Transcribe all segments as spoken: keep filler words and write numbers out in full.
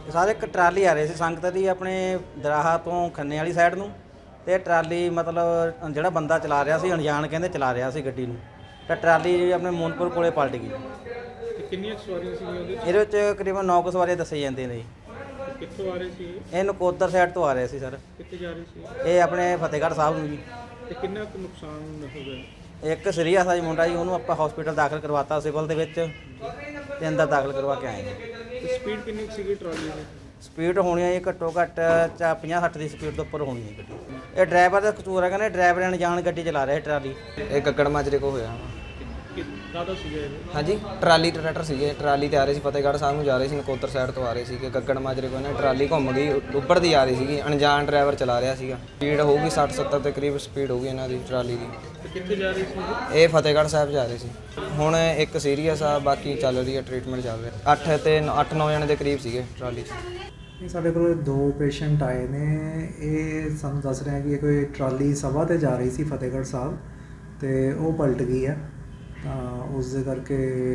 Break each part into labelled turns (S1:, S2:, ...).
S1: ਸਾਰੇ ਇੱਕ ਟਰਾਲੀ ਆ ਰਹੀ ਸੀ ਸੰਗਤ ਦੀ ਆਪਣੇ ਦਰਾਹਾ ਤੋਂ ਖੰਨੇ ਵਾਲੀ ਸਾਈਡ ਨੂੰ। ਤੇ ਟਰਾਲੀ ਮਤਲਬ ਜਿਹੜਾ ਬੰਦਾ ਚਲਾ ਰਿਹਾ ਸੀ ਅਣਜਾਣ ਕਹਿੰਦੇ ਚਲਾ ਰਿਹਾ ਸੀ ਗੱਡੀ ਨੂੰ, ਤਾਂ ਟਰਾਲੀ ਜਿਹੜੀ ਆਪਣੇ ਮੋਨਪੁਰ ਕੋਲੇ ਪਲਟ ਗਈ।
S2: ਤੇ ਕਿੰਨੀਆਂ ਸਵਾਰੀਆਂ ਸੀਗੀਆਂ ਉਹਦੇ ਵਿੱਚ?
S1: ਇਹਦੇ ਵਿੱਚ ਤਕਰੀਬਨ ਨੌ ਕੁ ਸਵਾਰੀਆਂ ਦੱਸੇ ਜਾਂਦੇ ਨੇ ਜੀ।
S2: ਕਿੱਥੋਂ ਆ ਰਹੇ ਸੀ ਇਹ?
S1: ਇਹ ਨਕੋਦਰ ਸਾਈਡ ਤੋਂ ਆ ਰਹੇ ਸੀ ਸਰ।
S2: ਕਿੱਥੇ ਜਾ ਰਹੇ ਸੀ?
S1: ਇਹ ਆਪਣੇ ਫਤਿਹਗੜ੍ਹ ਸਾਹਿਬ ਨੂੰ ਜੀ।
S2: ਤੇ ਕਿੰਨਾ ਕੁ ਨੁਕਸਾਨ ਹੋ ਗਿਆ?
S1: ਇੱਕ ਸੀਰੀਅਸ ਆ ਜੀ ਮੁੰਡਾ ਜੀ, ਉਹਨੂੰ ਆਪਾਂ ਹਸਪੀਟਲ ਦਾਖਲ ਕਰਵਾਤਾ ਸਿਵਲ ਦੇ ਵਿੱਚ ਤੇ ਅੰਦਰ ਦਾਖਲ ਕਰਵਾ ਕੇ ਆਏ ਜੀ।
S2: ਤੇ ਸਪੀਡ ਕਿੰਨੀ ਕੁ ਸੀਗੀ ਟਰਾਲੀ ਦੀ?
S1: ਸਪੀਡ ਹੋਣੀ ਹੈ ਜੀ ਘੱਟੋ ਘੱਟ ਚਾ ਪੰਜਾਹ ਸੱਠ ਦੀ ਸਪੀਡ ਤੋਂ ਉੱਪਰ ਹੋਣੀ ਹੈ ਗੱਡੀ। ਇਹ ਡਰਾਈਵਰ ਦਾ ਕਸੂਰ ਹੈ, ਕਹਿੰਦੇ ਡਰਾਈਵਰ ਅਣਜਾਣ ਗੱਡੀ ਚਲਾ ਰਿਹਾ ਟਰਾਲੀ।
S3: ਇਹ ਗੱਗੜ ਮਾਜਰੇ ਕੋ ਹੋਇਆ।
S2: ਕਾਹਦਾ ਸੀਗਾ ਇਹ?
S3: ਹਾਂਜੀ, ਟਰਾਲੀ ਟਰੈਕਟਰ ਸੀਗੇ, ਟਰਾਲੀ ਤੇ ਆ ਰਹੇ ਸੀ, ਫਤਿਹਗੜ੍ਹ ਸਾਹਿਬ ਨੂੰ ਜਾ ਰਹੇ ਸੀ, ਨਕੋਦਰ ਸਾਈਡ ਤੋਂ ਆ ਰਹੇ ਸੀ ਕਿ ਗੱਗੜ ਮਾਜਰੇ ਕੋ ਨਾ ਟਰਾਲੀ ਘੁੰਮ ਗਈ, ਉੱਪਰਦੀ ਆ ਰਹੀ ਸੀਗੀ, ਅਣਜਾਣ ਡਰਾਈਵਰ ਚਲਾ ਰਿਹਾ ਸੀਗਾ। ਸਪੀਡ ਹੋਊਗੀ ਸੱਠ ਸੱਤਰ ਦੇ ਕਰੀਬ ਸਪੀਡ ਹੋਊਗੀ ਇਹਨਾਂ ਦੀ ਟਰਾਲੀ ਦੀ।
S2: ਤੇ ਕਿੱਥੇ ਜਾ ਰਹੀ ਸੀ?
S3: ਇਹ ਫਤਿਹਗੜ੍ਹ ਸਾਹਿਬ ਜਾ ਰਹੇ ਸੀ। ਹੁਣ ਇੱਕ ਸੀਰੀਅਸ ਆ, ਬਾਕੀ ਚੱਲ ਰਹੀ ਹੈ, ਟ੍ਰੀਟਮੈਂਟ ਚੱਲ ਰਿਹਾ। ਅੱਠ ਤੇ ਅੱਠ ਨੌ ਜਣੇ ਦੇ ਕਰੀਬ ਸੀਗੇ ਟਰਾਲੀ 'ਚ।
S4: ਇਹ ਸਾਡੇ ਕੋਲ ਦੋ ਪੇਸ਼ੈਂਟ ਆਏ ਨੇ। ਇਹ ਸਾਨੂੰ ਦੱਸ ਰਹੇ ਆ ਕਿ ਇਹ ਕੋਈ ਟਰਾਲੀ ਸਭਾ ਤੇ ਜਾ ਰਹੀ ਸੀ ਫਤਿਹਗੜ੍ਹ ਸਾਹਿਬ ਤੇ ਉਹ ਪਲਟ ਗਈ ਹੈ, ਤਾਂ ਉਸ ਦੇ ਕਰਕੇ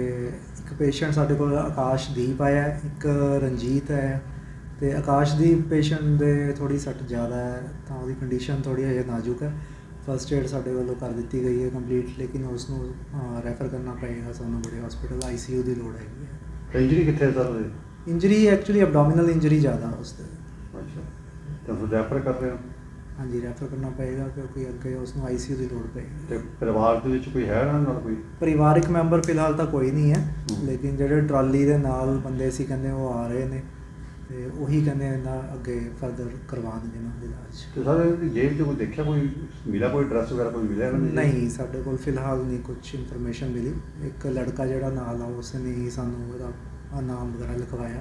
S4: ਇੱਕ ਪੇਸ਼ੈਂਟ ਸਾਡੇ ਕੋਲ ਆਕਾਸ਼ਦੀਪ ਆਇਆ, ਇੱਕ ਰਣਜੀਤ ਹੈ। ਤੇ ਆਕਾਸ਼ਦੀਪ ਪੇਸ਼ੈਂਟ ਦੇ ਥੋੜੀ ਸੱਟ ਜ਼ਿਆਦਾ ਹੈ, ਤਾਂ ਉਹਦੀ ਕੰਡੀਸ਼ਨ ਥੋੜੀ ਹਜੇ ਨਾਜ਼ੁਕ ਹੈ। ਫਸਟ ਏਡ ਸਾਡੇ ਵੱਲੋਂ ਕਰ ਦਿੱਤੀ ਗਈ ਹੈ ਕੰਪਲੀਟ, ਲੇਕਿਨ ਉਸ ਨੂੰ ਰੈਫਰ ਕਰਨਾ ਪਏਗਾ ਸਾਨੂੰ ਬੜੇ ਹਸਪੀਟਲ, ਆਈ ਸੀ ਯੂ ਦੀ ਲੋੜ ਹੈਗੀ ਹੈ।
S5: ਇੰਜਰੀ ਕਿੱਥੇ ਸਰ ਉਹਦੇ?
S4: ਇੰਜਰੀ ਐਕਚੁਅਲੀ ਐਬਡੋਮੀਨਲ ਇੰਜਰੀ ਜ਼ਿਆਦਾ ਉਸ 'ਤੇ।
S5: ਅੱਛਾ, ਤਾਂ ਫਿਰ ਰੈਫਰ ਕਰ ਰਹੇ ਹੋ?
S4: ਹਾਂਜੀ, ਰੈਫਰ ਕਰਨਾ ਪਏਗਾ ਕਿਉਂਕਿ ਅੱਗੇ ਉਸ ਨੂੰ ਆਈ ਸੀ ਯੂ ਦੀ ਲੋੜ ਪਏਗੀ।
S5: ਤੇ ਪਰਿਵਾਰ ਦੇ ਵਿੱਚ ਕੋਈ ਹੈ ਇਹਨਾਂ ਨਾਲ ਕੋਈ?
S4: ਪਰਿਵਾਰਿਕ ਮੈਂਬਰ ਫਿਲਹਾਲ ਤਾਂ ਕੋਈ ਨਹੀਂ ਹੈ,
S5: ਹੂੰ।
S4: ਲੇਕਿਨ ਜਿਹੜੇ ਟਰਾਲੀ ਦੇ ਨਾਲ ਬੰਦੇ ਸੀ ਕਹਿੰਦੇ ਉਹ ਆ ਰਹੇ ਨੇ, ਤੇ ਉਹੀ ਕਹਿੰਦੇ ਇਹਨਾਂ ਅੱਗੇ ਫਰਦਰ ਕਰਵਾ ਦੇਣਗੇ ਇਹਨਾਂ ਦਾ ਇਲਾਜ।
S5: ਤੇ ਸਰ ਇਹਦੀ ਜੇਬ 'ਚ ਕੋਈ ਦੇਖਿਆ, ਕੋਈ ਮਿਲਾ, ਕੋਈ ਡਰੈਸ ਵਗੈਰਾ ਕੋਈ ਮਿਲਿਆ ਇਹਨਾਂ ਦੀ?
S4: ਨਹੀਂ, ਸਾਡੇ ਕੋਲ ਫਿਲਹਾਲ ਨਹੀਂ ਕੁਝ ਇਨਫੋਰਮੇਸ਼ਨ ਮਿਲੀ। ਇੱਕ ਲੜਕਾ ਜਿਹੜਾ ਨਾਲ ਆ ਉਸ ਨੇ ਹੀ ਸਾਨੂੰ ਇਹਦਾ ਆਹ ਨਾਮ ਵਗੈਰਾ ਲਿਖਵਾਇਆ,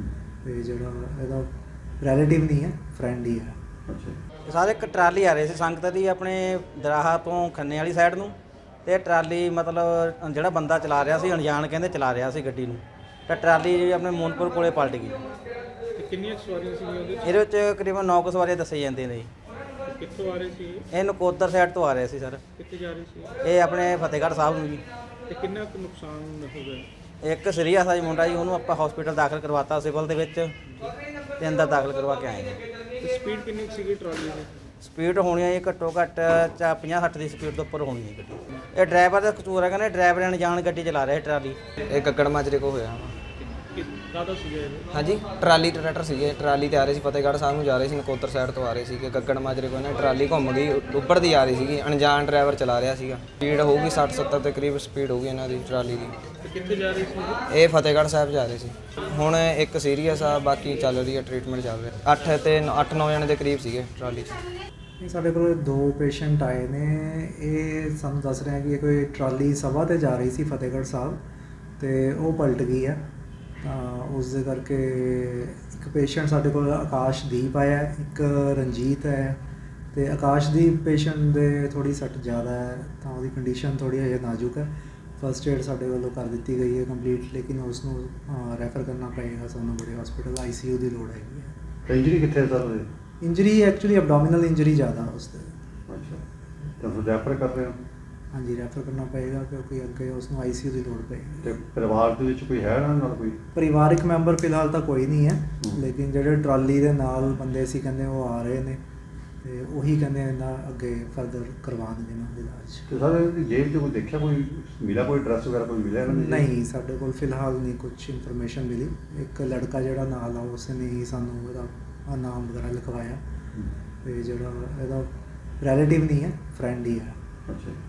S4: ਤੇ ਜਿਹੜਾ ਇਹਦਾ ਰਿਲੇਟਿਵ ਨਹੀਂ ਹੈ, ਫਰੈਂਡ ਹੀ ਹੈ।
S5: ਅੱਛਾ,
S1: ਸਾਰੇ ਇੱਕ ਟਰਾਲੀ ਆ ਰਹੀ ਸੀ ਸੰਗਤ ਦੀ ਆਪਣੇ ਦਰਾਹਾ ਤੋਂ ਖੰਨੇ ਵਾਲੀ ਸਾਈਡ ਨੂੰ। ਤੇ ਟਰਾਲੀ ਮਤਲਬ ਜਿਹੜਾ ਬੰਦਾ ਚਲਾ ਰਿਹਾ ਸੀ ਅਣਜਾਣ ਕਹਿੰਦੇ ਚਲਾ ਰਿਹਾ ਸੀ ਗੱਡੀ ਨੂੰ, ਤਾਂ ਟਰਾਲੀ ਜਿਹੜੀ ਆਪਣੇ ਮੋਨਪੁਰ ਕੋਲੇ ਪਲਟ ਗਈ।
S2: ਤੇ ਕਿੰਨੀਆਂ ਸਵਾਰੀਆਂ ਸੀਗੀਆਂ ਉਹਦੇ ਵਿੱਚ?
S1: ਇਹਦੇ ਵਿੱਚ ਤਕਰੀਬਨ ਨੌ ਕੁ ਸਵਾਰੀਆਂ ਦੱਸੇ ਜਾਂਦੇ ਨੇ ਜੀ।
S2: ਕਿੱਥੋਂ ਆ ਰਹੇ ਸੀ ਇਹ?
S1: ਇਹ ਨਕੋਦਰ ਸਾਈਡ ਤੋਂ ਆ ਰਹੇ ਸੀ ਸਰ।
S2: ਕਿੱਥੇ ਜਾ ਰਹੇ ਸੀ?
S1: ਇਹ ਆਪਣੇ ਫਤਿਹਗੜ੍ਹ ਸਾਹਿਬ ਨੂੰ ਜੀ।
S2: ਤੇ ਕਿੰਨਾ ਕੁ ਨੁਕਸਾਨ ਹੋ ਗਿਆ?
S1: ਇੱਕ ਸੀਰੀਅਸ ਆ ਜੀ ਮੁੰਡਾ ਜੀ, ਉਹਨੂੰ ਆਪਾਂ ਹਸਪੀਟਲ ਦਾਖਲ ਕਰਵਾਤਾ ਸਿਵਲ ਦੇ ਵਿੱਚ ਤੇ ਅੰਦਰ ਦਾਖਲ ਕਰਵਾ ਕੇ ਆਏ ਜੀ।
S2: ਤੇ ਸਪੀਡ ਕਿੰਨੀ ਕੁ ਸੀਗੀ ਟਰਾਲੀ ਦੀ?
S1: ਸਪੀਡ ਹੋਣੀ ਹੈ ਜੀ ਘੱਟੋ ਘੱਟ ਚਾ ਪੰਜਾਹ ਸੱਠ ਦੀ ਸਪੀਡ ਤੋਂ ਉੱਪਰ ਹੋਣੀ ਹੈ ਗੱਡੀ। ਇਹ ਡਰਾਈਵਰ ਦਾ ਕਸੂਰ ਹੈ, ਕਹਿੰਦੇ ਡਰਾਈਵਰ ਅਣਜਾਣ ਗੱਡੀ ਚਲਾ ਰਿਹਾ ਟਰਾਲੀ।
S3: ਇਹ ਗੱਗੜ ਮਾਜਰੇ ਕੋ ਹੋਇਆ।
S2: ਕਾਹਦਾ ਸੀਗਾ ਇਹ?
S3: ਹਾਂਜੀ, ਟਰਾਲੀ ਟਰੈਕਟਰ ਸੀਗੇ, ਟਰਾਲੀ ਤੇ ਆ ਰਹੇ ਸੀ, ਫਤਿਹਗੜ੍ਹ ਸਾਹਿਬ ਨੂੰ ਜਾ ਰਹੇ ਸੀ, ਨਕੋਦਰ ਸਾਈਡ ਤੋਂ ਆ ਰਹੇ ਸੀ ਕਿ ਗੱਗੜ ਮਾਜਰੇ ਕੋ ਨਾ ਟਰਾਲੀ ਘੁੰਮ ਗਈ, ਉੱਪਰਦੀ ਆ ਰਹੀ ਸੀਗੀ, ਅਣਜਾਣ ਡਰਾਈਵਰ ਚਲਾ ਰਿਹਾ ਸੀਗਾ। ਸਪੀਡ ਹੋਊਗੀ ਸੱਠ ਸੱਤਰ ਦੇ ਕਰੀਬ ਸਪੀਡ ਹੋਊਗੀ ਇਹਨਾਂ ਦੀ ਟਰਾਲੀ ਦੀ।
S2: ਤੇ ਕਿੱਥੇ ਜਾ ਰਹੀ ਸੀ?
S3: ਇਹ ਫਤਿਹਗੜ੍ਹ ਸਾਹਿਬ ਜਾ ਰਹੇ ਸੀ। ਹੁਣ ਇੱਕ ਸੀਰੀਅਸ ਆ, ਬਾਕੀ ਚੱਲ ਰਹੀ ਹੈ, ਟ੍ਰੀਟਮੈਂਟ ਚੱਲ ਰਿਹਾ। ਅੱਠ ਤੇ ਅੱਠ ਨੌ ਜਣੇ ਦੇ ਕਰੀਬ ਸੀਗੇ ਟਰਾਲੀ 'ਚ।
S4: ਇਹ ਸਾਡੇ ਕੋਲ ਦੋ ਪੇਸ਼ੈਂਟ ਆਏ ਨੇ। ਇਹ ਸਾਨੂੰ ਦੱਸ ਰਹੇ ਆ ਕਿ ਇਹ ਕੋਈ ਟਰਾਲੀ ਸਭਾ ਤੇ ਜਾ ਰਹੀ ਸੀ ਫਤਿਹਗੜ੍ਹ ਸਾਹਿਬ ਤੇ ਉਹ ਪਲਟ ਗਈ ਹੈ, ਤਾਂ ਉਸ ਦੇ ਕਰਕੇ ਇੱਕ ਪੇਸ਼ੈਂਟ ਸਾਡੇ ਕੋਲ ਆਕਾਸ਼ਦੀਪ ਆਇਆ, ਇੱਕ ਰਣਜੀਤ ਹੈ। ਤੇ ਆਕਾਸ਼ਦੀਪ ਪੇਸ਼ੈਂਟ ਦੇ ਥੋੜੀ ਸੱਟ ਜ਼ਿਆਦਾ ਹੈ, ਤਾਂ ਉਹਦੀ ਕੰਡੀਸ਼ਨ ਥੋੜੀ ਹਜੇ ਨਾਜ਼ੁਕ ਹੈ। ਫਸਟ ਏਡ ਸਾਡੇ ਵੱਲੋਂ ਕਰ ਦਿੱਤੀ ਗਈ ਹੈ ਕੰਪਲੀਟ, ਲੇਕਿਨ ਉਸ ਨੂੰ ਰੈਫਰ ਕਰਨਾ ਪਏਗਾ ਸਾਨੂੰ ਬੜੇ ਹਸਪੀਟਲ, ਆਈ ਸੀ ਯੂ ਦੀ ਲੋੜ ਹੈਗੀ ਹੈ।
S5: ਇੰਜਰੀ ਕਿੱਥੇ ਸਰ ਉਹਦੇ?
S4: ਇੰਜਰੀ ਐਕਚੁਅਲੀ ਐਬਡੋਮੀਨਲ ਇੰਜਰੀ ਜ਼ਿਆਦਾ ਉਸ 'ਤੇ।
S5: ਅੱਛਾ, ਤਾਂ ਫਿਰ ਰੈਫਰ ਕਰ ਰਹੇ ਹੋ?
S4: ਹਾਂਜੀ, ਰੈਫਰ ਕਰਨਾ ਪਏਗਾ ਕਿਉਂਕਿ ਅੱਗੇ ਉਸ ਨੂੰ ਆਈ ਸੀ ਯੂ ਦੀ ਲੋੜ ਪਏਗੀ।
S5: ਤੇ ਪਰਿਵਾਰ ਦੇ ਵਿੱਚ ਕੋਈ ਹੈ ਇਹਨਾਂ ਨਾਲ ਕੋਈ?
S4: ਪਰਿਵਾਰਿਕ ਮੈਂਬਰ ਫਿਲਹਾਲ ਤਾਂ ਕੋਈ ਨਹੀਂ ਹੈ,
S5: ਹੂੰ।
S4: ਲੇਕਿਨ ਜਿਹੜੇ ਟਰਾਲੀ ਦੇ ਨਾਲ ਬੰਦੇ ਸੀ ਕਹਿੰਦੇ ਉਹ ਆ ਰਹੇ ਨੇ, ਤੇ ਉਹੀ ਕਹਿੰਦੇ ਇਹਨਾਂ ਅੱਗੇ ਫਰਦਰ ਕਰਵਾ ਦੇਣਗੇ ਇਹਨਾਂ ਦਾ ਇਲਾਜ।
S5: ਤੇ ਸਰ ਇਹਦੀ ਜੇਬ 'ਚ ਕੋਈ ਦੇਖਿਆ, ਕੋਈ ਮਿਲਾ, ਕੋਈ ਡਰੈਸ ਵਗੈਰਾ ਕੋਈ ਮਿਲਿਆ ਇਹਨਾਂ ਦੀ?
S4: ਨਹੀਂ, ਸਾਡੇ ਕੋਲ ਫਿਲਹਾਲ ਨਹੀਂ ਕੁਝ ਇਨਫੋਰਮੇਸ਼ਨ ਮਿਲੀ। ਇੱਕ ਲੜਕਾ ਜਿਹੜਾ ਨਾਲ ਆ ਉਸ ਨੇ ਹੀ ਸਾਨੂੰ ਇਹਦਾ ਆਹ ਨਾਮ ਵਗੈਰਾ ਲਿਖਵਾਇਆ, ਤੇ ਜਿਹੜਾ ਇਹਦਾ ਰਿਲੇਟਿਵ ਨਹੀਂ ਹੈ, ਫਰੈਂਡ ਹੀ ਹੈ।
S5: ਅੱਛਾ।